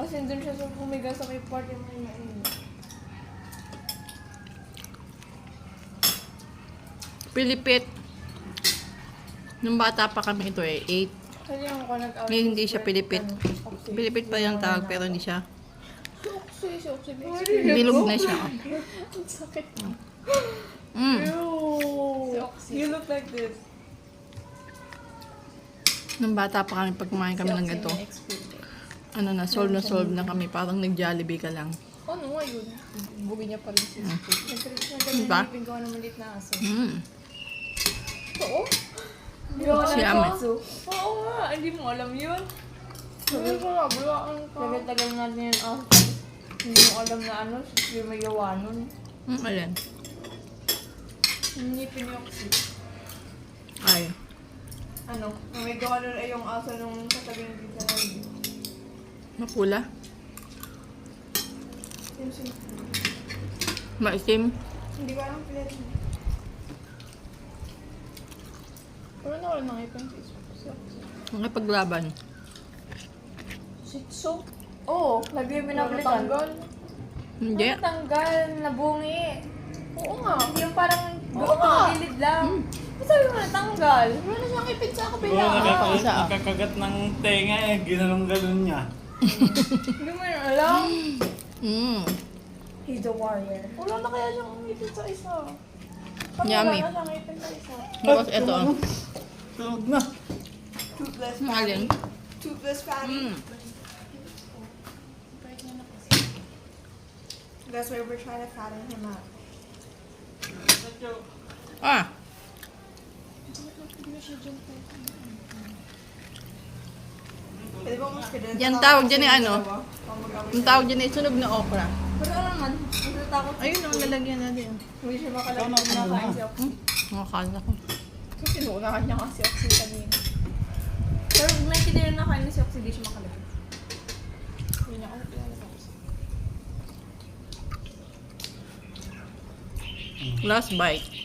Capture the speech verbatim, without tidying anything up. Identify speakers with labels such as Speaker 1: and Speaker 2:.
Speaker 1: Tapos nandun siya sa humiga sa may part yung may mainit.
Speaker 2: Pilipit. Nung bata pa kami ito eh, eight.
Speaker 1: Kasi yung ako nag-out.
Speaker 2: Ngayon hindi siya pilipit. Pilipit pa yung tawag pero hindi siya.
Speaker 1: Si Oxy, si Oxy.
Speaker 2: Bilog na siya.
Speaker 1: Ang sakit.
Speaker 2: Mm.
Speaker 1: Ew. Si Oxy. You look like this.
Speaker 2: Nung bata pa kami, pag kumain kami ng ganito, ano na, solve na solve na kami. Parang nag-Jollibee ka lang.
Speaker 1: Ano nga yun? Bugi niya pa rin si Oxy.
Speaker 2: Diba?
Speaker 1: Nag-ganyan gawa ng maliit na aso.
Speaker 2: Mm.
Speaker 1: Oo? Gawa
Speaker 2: Si
Speaker 1: ng
Speaker 2: Ame.
Speaker 1: aso? Oo nga, hindi mo alam yun. Sabi ko nga, bulaan ka. Tagal-tagal natin yun aso. Hindi mo alam na ano, siya may gawa nun.
Speaker 2: Mm, alin?
Speaker 1: Hindi pinioksi.
Speaker 2: Ay.
Speaker 1: Ano? May gawa nun ay yung aso nung katabi ng pizza na yun.
Speaker 2: Mapula?
Speaker 1: Yung sin-
Speaker 2: Maitim?
Speaker 1: Hindi ko alam pala rin. Pero nawala na ngipin si Oxy.
Speaker 2: Nakipaglaban.
Speaker 1: Shih Tzu? Oo, lagi yung binabalikan. Natanggal.
Speaker 2: Hindi.
Speaker 1: Ano tanggal? Nabungi. Oo nga. Yung parang
Speaker 3: Oo nga.
Speaker 1: gilid lang. Hmm. Sabi mo natanggal. Wala na siyang ipin sa kapila.
Speaker 3: Oo, nakaka-
Speaker 2: isa, ah.
Speaker 3: nakakagat ng tenga eh. Ginanong-ganon niya.
Speaker 1: Hindi mo yun alam.
Speaker 2: Mm.
Speaker 1: He's the warrior. Wala na kaya siyang ipin sa isa. Parang
Speaker 2: Yummy.
Speaker 1: Wala na siyang ipin sa isa.
Speaker 2: Tapos ito. ah.
Speaker 3: Tulog na.
Speaker 1: Toothless
Speaker 2: Mm, alin?
Speaker 1: Toothless fatty.
Speaker 2: Mm.
Speaker 1: That's why we're trying to fatten him up.
Speaker 2: Ah.
Speaker 1: Pwede ba mas kaya?
Speaker 2: Yan tawag dyan eh, ano? Ang tawag dyan ay sunog na okra.
Speaker 1: Pero ano naman, natatakot.
Speaker 2: Ayun ang lalagyan natin.
Speaker 1: Hindi siya makalagay na nakain si Oxy.
Speaker 2: Nakakala ko.
Speaker 1: Kasi sinuunahan niya kasi Oxy kanina. Pero pag nakikita yung nakain ni si Oxy, hindi siya makalagay. Hindi niya ako ilalabas.
Speaker 2: Last bite.